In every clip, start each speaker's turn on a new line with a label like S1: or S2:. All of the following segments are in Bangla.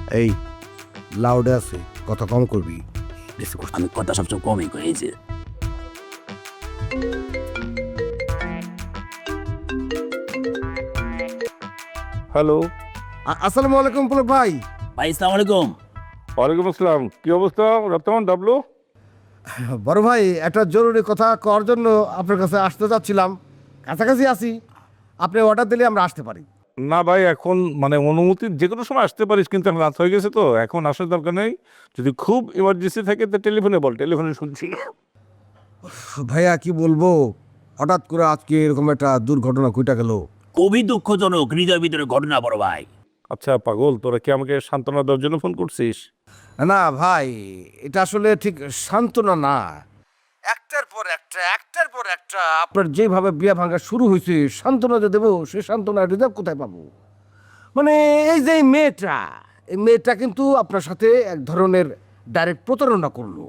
S1: এই লাউডে আছে, কথা কম করবি।
S2: আমি কথা সবসময় কমই করি, এই যে
S3: হ্যালো।
S1: আসসালামু আলাইকুম পুলক ভাই।
S2: ভাই আসসালামু আলাইকুম।
S3: ওয়ালাইকুম আসসালাম। কি অবস্থা রপ্তামান ডাবলু?
S1: বড় ভাই, একটা জরুরি কথা করার জন্য আপনার কাছে আসতে যাচ্ছিলাম। কাছাকাছি আছি, আপনি অর্ডার দিলে আমরা আসতে পারি।
S3: না ভাই, এখন মানে অনুমতি যে কোনো সময় আসতে পারিস, কিন্তু এখন রাত হয়ে গেছে তো এখন আসার দরকার নেই। যদি খুব ইমার্জেন্সি থাকে তো টেলিফোনে বল, টেলিফোনে শুনছি।
S1: ভাইয়া কি বলবো, হঠাৎ করে আজকে এরকম একটা দুর্ঘটনা ঘটে গেল।
S2: খুবই দুঃখজনক, হৃদয় ভিতরে ঘটনা বড় ভাই।
S3: আচ্ছা পাগল, তোরা কি আমাকে সান্ত্বনা দেওয়ার জন্য ফোন করছিস?
S1: না ভাই, এটা আসলে ঠিক সান্ত্বনা না। একটার পর একটা আপনার যেভাবে বিয়া ভাঙা শুরু হয়েছে, সান্ত্বনা যে দেবো সে সান্ত্বনা রিজার্ভ কোথায় পাবো? মানে এই যে এই মেয়েটা কিন্তু আপনার সাথে এক ধরনের ডাইরেক্ট প্রতারণা করলো।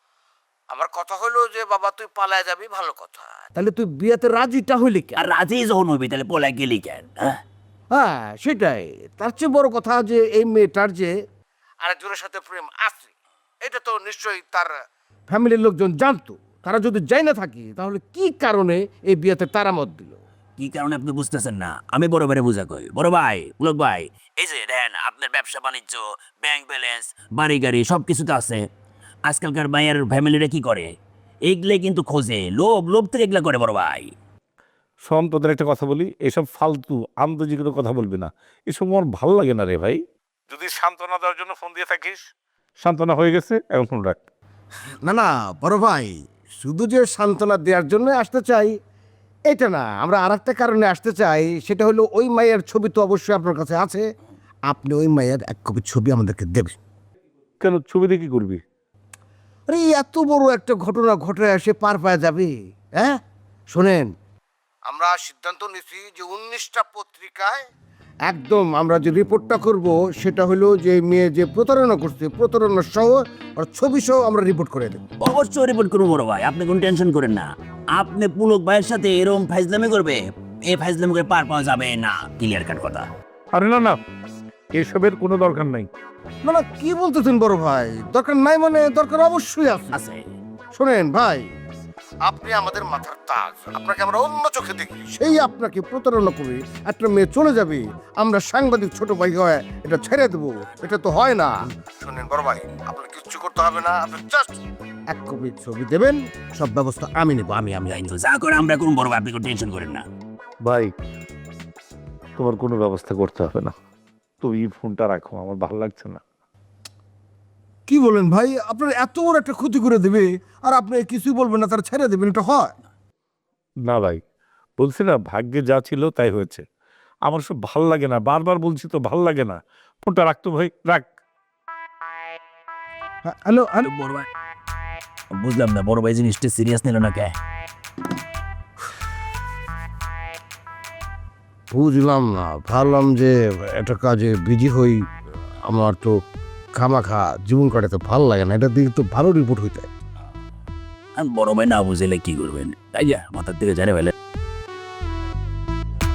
S1: আমার কথা হলো যে বাবা তুই পালায় যাবি, ভালো কথা, তাহলে তুই বিয়াতে রাজিটা হইলি কেন?
S2: আর রাজি যখন হইবি তাহলে পলাই গেলি কেন?
S1: হ্যাঁ সেটাই। তার চেয়ে বড় কথা যে এই মেয়েটার যে আরেকজনের সাথে প্রেম আছে, এটা তো নিশ্চয়ই তার ফ্যামিলির লোকজন জানতো। তারা যদি যাই না থাকি তাহলে কি কারণে এই বিয়েতে তারা মত দিল?
S2: কি কারণে আপনি বুঝতেছেন না? আমি বড় ভাইরে বুঝা কই। বড় ভাই, পুলক ভাই, এই যে দেন আপনার ব্যবসা বাণিজ্য, ব্যাংক ব্যালেন্স, বাড়ি গাড়ি সব কিছুতে আছে। আজকালকার মায়ের ফ্যামিলিরা কি করে? এইগুলো কিন্তু খোঁজে, লোভ থেকে এগুলা করে বড় ভাই।
S3: শোন, তোদের একটা কথা বলি, এসব ফালতু আন্তর্জাতিক কোনো কথা বলবি না, এসব আমার ভালো লাগে না রে ভাই। যদি সান্ত্বনা দেওয়ার জন্য ফোন দিয়ে থাকিস, সান্ত্বনা হয়ে গেছে, এখন ফোন রাখ।
S1: না বড় ভাই, শুধু যে সান্ত্বনা দেওয়ার জন্য আসতে চাই এটা না, আমরা আর একটা কারণে আসতে চাই। সেটা হলো ওই মায়ের ছবি তো অবশ্যই আপনার কাছে আছে, আপনি ওই মায়ের এক কপি ছবি আমাদেরকে দেবেন।
S3: কেন, ছবি দিয়ে কি করবি?
S1: আরে এত বড় একটা ঘটনা ঘটে এসে পার পাওয়া যাবে? হ্যাঁ শোনেন, আমরা সিদ্ধান্ত নিয়েছি যে 19টা পত্রিকায় একদম আমরা যে রিপোর্টটা করব সেটা হলো যে মেয়ে যে প্রতারণা করছে, প্রতারণা সহ আর ছবি সহ আমরা রিপোর্ট করে দেব।
S2: অবশ্যই রিপোর্ট করবো বড় ভাই, আপনি কোনো টেনশন করেন না। আপনি পুলক ভাইয়ের সাথে এরকম ফাইজলামি করবে, এই ফাইজলামি করে পার পাওয়া যাবে না, ক্লিয়ার কাট কথা।
S3: আরে না, এসবের কোনো দরকার নাই।
S1: না কি বলতেছেন বড় ভাই, দরকার নাই মানে দরকার অবশ্যই আছে।
S2: আছে।
S1: শোনেন ভাই, আপনি আমাদের মাথার তাজ, আপনাকে আমরা অন্য চোখে দেখি, সেই আপনাকে প্রতারণা করে একটা মেয়ে চলে যাবে, আমরা সাংবাদিক ছোট ভাই হয়ে এটা ছেড়ে দেবো? এটা তো হয় না। শোনেন বড় ভাই, আপনার কিচ্ছু করতে হবে না, আপনি জাস্ট এক কপি ছবি দেবেন, সব ব্যবস্থা আমি নেবো। আমি
S2: তো যা করে আমরা করুন বড় ভাই, আপনি কোনো টেনশন করেন না।
S3: ভাই, তোমার কোনো ব্যবস্থা করতে হবে না, তুমি ফোনটা রাখো, আমার ভালো লাগছে না।
S1: কি বলেন ভাই, আপনার এত বড় একটা ক্ষতি করে দেবে আর আপনি কিছুই বলবেন না, তার ছেড়ে দেবেন? এটা হয়
S3: না ভাই, বলছি না, ভাগ্যে যা ছিল তাই হয়েছে। আমার সব ভাল লাগে না, বারবার বলছি তো, ভাল লাগে না। ফোনটা রাখতো ভাই, রাখ।
S1: হ্যালো
S2: বড় ভাই, বুঝলাম না বড় ভাই জিনিসটা সিরিয়াস নিল না কে?
S1: বুঝলাম না, ভাবলাম যে একটা কাজে বিজি হই, আমার তো খামাখা জীবন কাটাতে ভালো লাগে না, এটা দিকে তো ভালো রিপোর্ট হইতে।
S2: বড় ভাই না বুঝলে কি করবেন, তাই যা মাথার দিকে জানে ফেলে।